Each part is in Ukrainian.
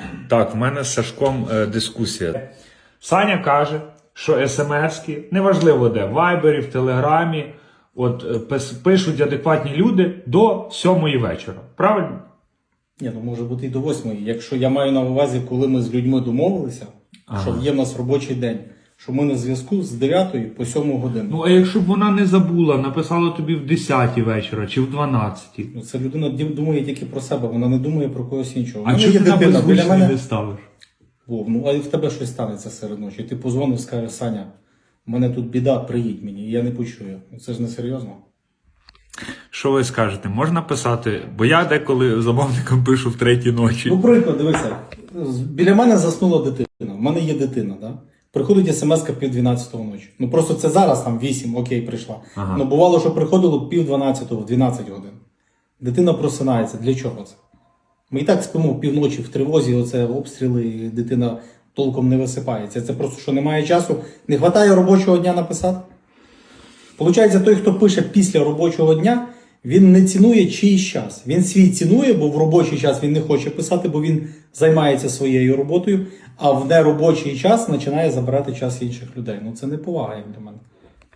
Так, в мене з Сашком дискусія. Саня каже, що смс-ки, неважливо де, в Вайбері, в Телеграмі, пишуть адекватні люди до 7 вечора. Правильно? Ні, ну може бути і до 8. Якщо я маю на увазі, коли ми з людьми домовилися, що є в нас робочий день, що ми на зв'язку з 9 по 7 годину. Ну, а якщо б вона не забула, написала тобі в 10 вечора чи в 12? Ну, це людина думає тільки про себе, вона не думає про когось іншого. А чому ти на беззвучний не ставиш? Вов, ну а в тебе щось станеться серед ночі. Ти позвонив, скажеш: Саня, в мене тут біда, приїдь мені, і я не почую. Це ж не серйозно. Що ви скажете? Можна писати? Бо я деколи замовникам пишу в 3 ночі. Ну, приклад, дивися. Біля мене заснула дитина. В мене є дитина, да? Приходить смс-ка в 11:30 ночі. Ну просто це зараз там 8, окей, прийшла. Ага. Ну бувало, що приходило в 11:30, в 12 годин. Дитина просинається. Для чого це? Ми і так спимо півночі в тривозі, оце обстріли, і дитина толком не висипається. Це просто, що немає часу, не вистачає робочого дня написати. Получається, той, хто пише після робочого дня, він не цінує чийсь час. Він свій цінує, бо в робочий час він не хоче писати, бо він займається своєю роботою, а в неробочий час починає забирати час інших людей. Ну це не повага, як для мене.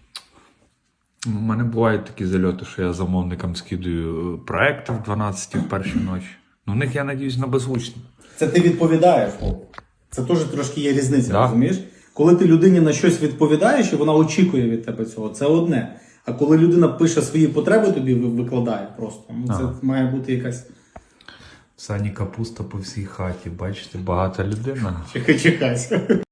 У мене бувають такі зальоти, що я замовникам скидаю проекти в 12 в першій ночі. Ну, в них, я надіюсь, на беззвучні. Це ти відповідаєш, Вов. Це теж трошки є різниця, Да. розумієш? Коли ти людині на щось відповідаєш, і вона очікує від тебе цього, це одне. А коли людина пише свої потреби, тобі викладає просто. Ну, це має бути якась... Сані капуста по всій хаті, бачите, багата людина. Чекай.